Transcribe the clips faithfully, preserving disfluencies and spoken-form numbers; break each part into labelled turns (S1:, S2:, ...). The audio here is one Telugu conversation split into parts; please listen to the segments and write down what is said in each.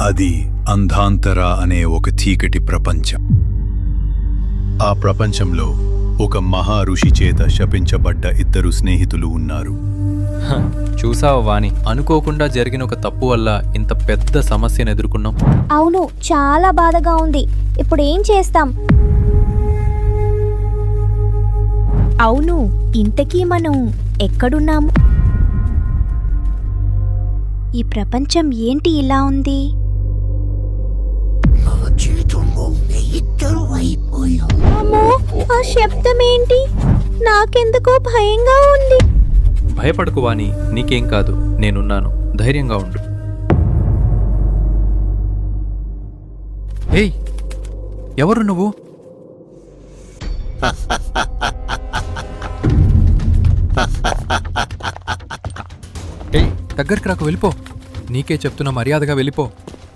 S1: అది అంధాంతర అనే ఒక చీకటి ప్రపంచం. ఆ ప్రపంచంలో ఒక మహా ఋషి చేత శపించబడ్డ ఇద్దరు స్నేహితులు ఉన్నారు.
S2: హ, చూసావా వాణి, అనుకోకుండా జరిగిన ఒక తప్పు వల్ల ఇంత పెద్ద సమస్యను ఎదుర్కొన్నాం.
S3: అవును, చాలా బాధగా ఉంది. ఇప్పుడు ఏం చేస్తాం? అవును, ఇంతకీ మనం ఎక్కడున్నాము? ఈ ప్రపంచం ఏంటి ఇలా ఉంది? అమ్మో, ఆ శబ్దం ఏంటి? నాకెందుకో భయంగా ఉంది.
S2: భయపడకు వాణి, నీకేం కాదు, నేనున్నాను, ధైర్యంగా ఉండు. ఏయ్, ఎవరు నువ్వు? ఏయ్, దగ్గరికి రాకు, వెళ్ళిపో. నీకే చెప్తున్నా, మర్యాదగా వెళ్ళిపో.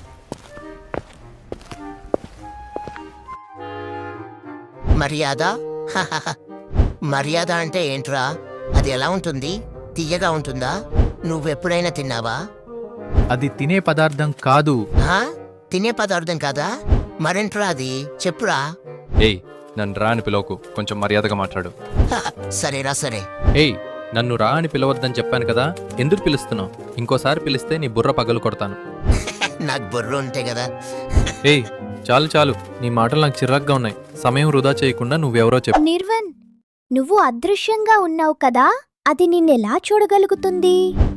S4: మర్యాద? మర్యాద అంటే ఏంట్రా? అది ఎలా ఉంటుంది? తీయగా ఉంటుందా? నువ్వెప్పుడైనా తిన్నావా?
S2: అది తినే పదార్థం కాదు.
S4: హా? తినే పదార్థం కాదా? మరేంట్రా అది? చెప్పురా.
S2: ఏయ్, నన్ను రా అని పిలవకు, కొంచెం మర్యాదగా మాట్లాడు.
S4: హ, సరేరా సరే.
S2: ఏయ్, నన్ను రా అని పిలవద్దని చెప్పాను కదా, ఎందుకు పిలుస్తున్నావు? ఇంకోసారి పిలిస్తే నీ బుర్ర పగలు కొడతాను.
S4: నాకు బుర్ర ఉంటే కదా.
S2: ఏయ్, చాలు చాలు, నీ మాటలు నాకు చిరాగ్గా ఉన్నాయి. సమయం వృధా చేయకుండా నువ్వెవరో చెప్పు.
S3: నిర్వన్, నువ్వు అదృశ్యంగా ఉన్నావు కదా, అది నిన్నెలా చూడగలుగుతుంది?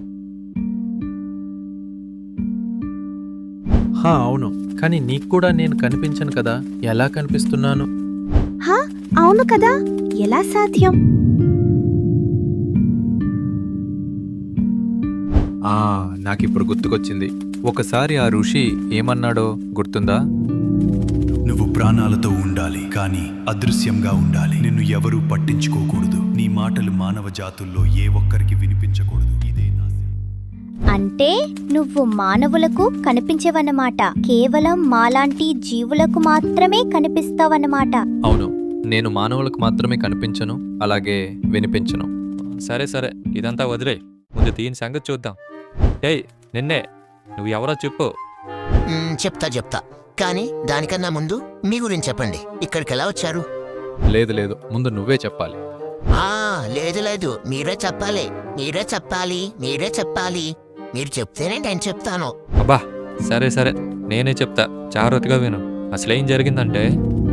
S2: హా, అవును, కానీ నీకు కూడా నేను కనిపించను కదా, ఎలా కనిపిస్తున్నాను?
S3: హా, అవును కదా, ఎలా సాధ్యం?
S2: ఆ నాకిప్పుడు గుర్తుకొచ్చింది. ఒకసారి ఆ ఋషి ఏమన్నాడో గుర్తుందా?
S1: నువ్వు ప్రాణాలతో ఉండాలి, కానీ అదృశ్యంగా ఉండాలి. నిన్ను ఎవరూ పట్టించుకోకూడదు. నీ మాటలు మానవ జాతుల్లో ఏ ఒక్కరికి వినిపించకూడదు. ఇదే నా
S3: అంటే నువ్వు మానవులకు కనిపించవన్నమాట, కేవలం మాలాంటి జీవులకు మాత్రమే కనిపిస్తావన్నమాట.
S2: అవును, నేను మానవులకు మాత్రమే కనిపించను, అలాగే వినిపించను.
S5: సరే సరే, ఇదంతా వదిలే, ముందు దీని సంగతి చూద్దాం. ఏయ్, నిన్నే, నువ్వు ఎవరో చెప్పు.
S4: మ్, చెప్తా చెప్తా, కానీ దానికన్నా ముందు మీ గురించి చెప్పండి. ఇక్కడికి ఎలా వచ్చారు?
S2: లేదు లేదు, ముందు నువ్వే చెప్పాలి.
S4: ఆ లేదు లేదు, మీరే చెప్పాలి, మీరే చెప్పాలి, మీరే చెప్పాలి. మీరు చెప్తేనే నేను చెప్తాను.
S5: అబ్బా, సరే సరే, నేనే చెప్తా, జాగ్రత్తగా విను. అసలేం జరిగిందంటే,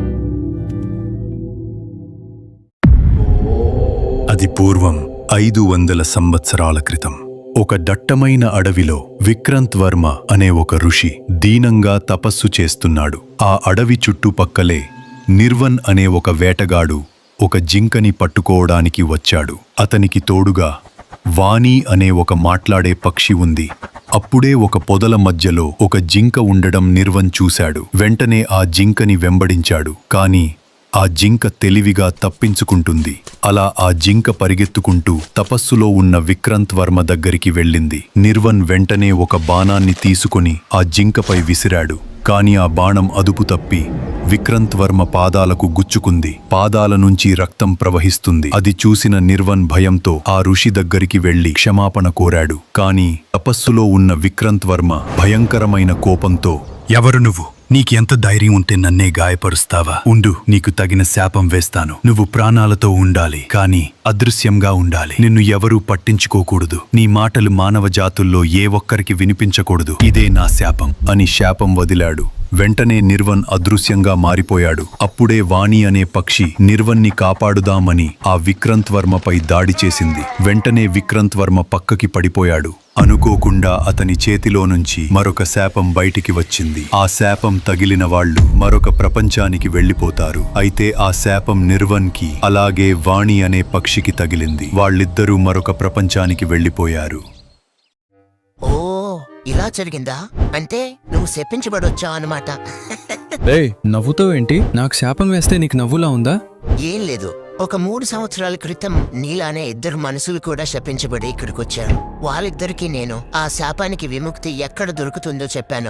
S1: అది పూర్వం ఐదు వందల సంవత్సరాల క్రితం ఒక దట్టమైన అడవిలో విక్రంత్ వర్మ అనే ఒక ఋషి దీనంగా తపస్సు చేస్తున్నాడు. ఆ అడవి చుట్టుపక్కలే నిర్వన్ అనే ఒక వేటగాడు ఒక జింకని పట్టుకోవడానికి వచ్చాడు. అతనికి తోడుగా వాణి అనే ఒక మాట్లాడే పక్షి ఉంది. అప్పుడే ఒక పొదల మధ్యలో ఒక జింక ఉండడం నిర్వన్ చూశాడు. వెంటనే ఆ జింకని వెంబడించాడు. కాని ఆ జింక తెలివిగా తప్పించుకుంటుంది. అలా ఆ జింక పరిగెత్తుకుంటూ తపస్సులో ఉన్న విక్రంత్ వర్మ దగ్గరికి వెళ్ళింది. నిర్వన్ వెంటనే ఒక బాణాన్ని తీసుకుని ఆ జింకపై విసిరాడు. కాని ఆ బాణం అదుపు తప్పి విక్రంత్ వర్మ పాదాలకు గుచ్చుకుంది. పాదాల నుంచి రక్తం ప్రవహిస్తుంది. అది చూసిన నిర్వన్ భయంతో ఆ ఋషి దగ్గరికి వెళ్లి క్షమాపణ కోరాడు. కాని తపస్సులో ఉన్న విక్రంత్ వర్మ భయంకరమైన కోపంతో, ఎవరు నువ్వు? నీకెంత ధైర్యం ఉంటే నన్నే గాయపరుస్తావా? ఉండు, నీకు తగిన శాపం వేస్తాను. నువ్వు ప్రాణాలతో ఉండాలి, కానీ అదృశ్యంగా ఉండాలి. నిన్ను ఎవరూ పట్టించుకోకూడదు. నీ మాటలు మానవ జాతుల్లో ఏ ఒక్కరికి వినిపించకూడదు. ఇదే నా శాపం అని శాపం వదిలాడు. వెంటనే నిర్వన్ అదృశ్యంగా మారిపోయాడు. అప్పుడే వాణి అనే పక్షి నిర్వన్ని కాపాడుదామని ఆ విక్రంత్ వర్మపై దాడి చేసింది. వెంటనే విక్రంత్ వర్మ పక్కకి పడిపోయాడు. అనుకోకుండా అతని చేతిలో నుంచి మరొక శాపం బయటికి వచ్చింది. ఆ శాపం తగిలిన వాళ్ళు మరొక ప్రపంచానికి వెళ్లిపోతారు. అయితే ఆ శాపం నిర్వన్కి అలాగే వాణి అనే పక్షికి తగిలింది. వాళ్ళిద్దరూ మరొక ప్రపంచానికి వెళ్లిపోయారు.
S4: ఓ, ఇలా జరిగిందా? అంటే నువ్వు శపించబడొచ్చావు అనమాట.
S6: ఏయ్, నవ్వుతో ఏంటి? నాకు శాపం వేస్తే నీకు నవ్వులా ఉందా?
S4: ఏం లేదు, ఒక మూడు సంవత్సరాల క్రితం నీలానే ఇద్దరు మనుషులు కూడా శపించబడి ఇక్కడికి వచ్చారు. వాళ్ళిద్దరికీ నేను ఆ శాపానికి విముక్తి ఎక్కడ దొరుకుతుందో చెప్పాను.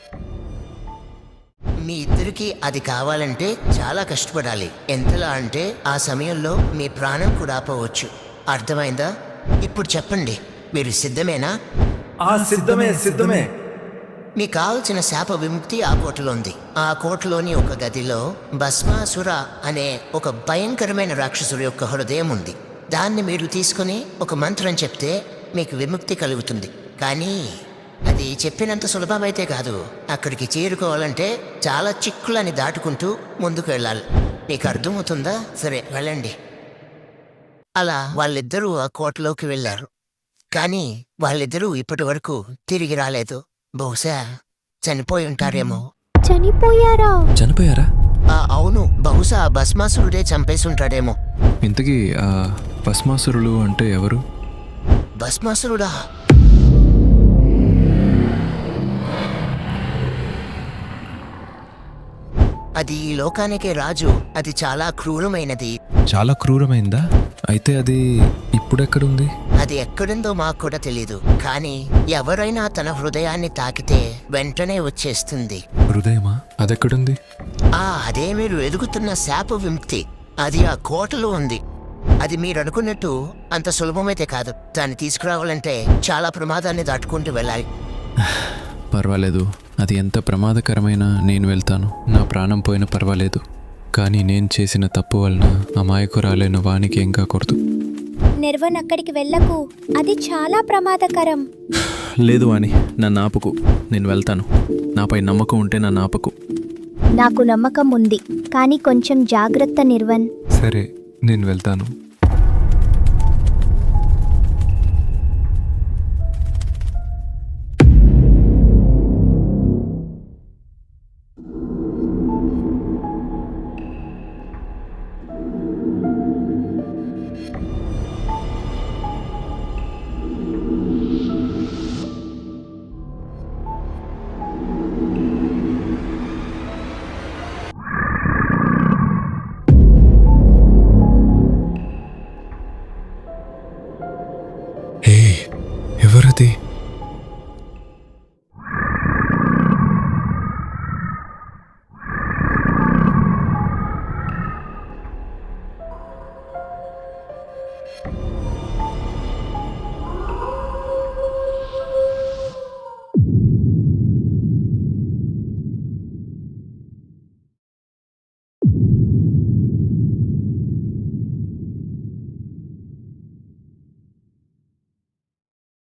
S4: మీ ఇద్దరికి అది కావాలంటే చాలా కష్టపడాలి. ఎంతలా అంటే ఆ సమయంలో మీ ప్రాణం కూడా ఆపవచ్చు. అర్థమైందా? ఇప్పుడు చెప్పండి, మీరు సిద్ధమేనా?
S7: ఆ సిద్ధమే సిద్ధమే
S4: మీకు కావలసిన శాప విముక్తి ఆ కోటలో ఉంది. ఆ కోటలోని ఒక గదిలో భస్మాసుర అనే ఒక భయంకరమైన రాక్షసుడి యొక్క హృదయం ఉంది. దాన్ని మీరు తీసుకుని ఒక మంత్రం చెప్తే మీకు విముక్తి కలుగుతుంది. కానీ అది చెప్పినంత సులభమైతే కాదు. అక్కడికి చేరుకోవాలంటే చాలా చిక్కులని దాటుకుంటూ ముందుకు వెళ్ళాలి. మీకు అర్థమవుతుందా? సరే వెళ్ళండి. అలా వాళ్ళిద్దరూ ఆ కోటలోకి వెళ్ళారు. కానీ వాళ్ళిద్దరూ ఇప్పటి వరకు తిరిగి రాలేదు. బహుశా చనిపోయి ఉంటారేమో.
S3: చనిపోయారా?
S6: చనిపోయారా?
S4: ఆ, అవును, బహుశా ఆ భస్మాసురుడే చంపేసి ఉంటాడేమో.
S6: ఇంతకీ ఆ భస్మాసురులు అంటే ఎవరు?
S4: భస్మాసురుడా? అది ఈ లోకానికే రాజు. అది చాలా క్రూరమైనది.
S6: చాలా క్రూరమైందా? అయితే అది ఇప్పుడెక్కడుంది?
S4: అది ఎక్కడుందో మాకు కూడా తెలీదు. కానీ ఎవరైనా తన హృదయాన్ని తాకితే వెంటనే వచ్చేస్తుంది.
S6: హృదయమా? అదెక్కడుంది?
S4: ఆ అదే మీరు ఎదుగుతున్న శాప విముక్తి. అది ఆ కోటలో ఉంది. అది మీరు అనుకున్నట్టు అంత సులభమైతే కాదు. దాన్ని తీసుకురావాలంటే చాలా ప్రమాదాన్ని దాటుకుంటూ వెళ్ళాలి.
S6: పర్వాలేదు, అది ఎంత ప్రమాదకరమైనా నేను వెళ్తాను. నా ప్రాణం పోయినా పర్వాలేదు. కానీ నేను చేసిన తప్పు వలన అమాయకురాలైన వానికి ఏం కాకూడదు.
S3: నిర్వన్, అక్కడికి వెళ్ళకు. అది చాలా ప్రమాదకరం.
S6: లేదు వాణి, నన్ను ఆపుకు. నేను వెళ్తాను. నాపై నమ్మకం ఉంటే నన్ను ఆపకు.
S3: నాకు నమ్మకం ఉంది, కానీ కొంచెం జాగ్రత్త నిర్వన్.
S6: సరే, నేను వెళ్తాను.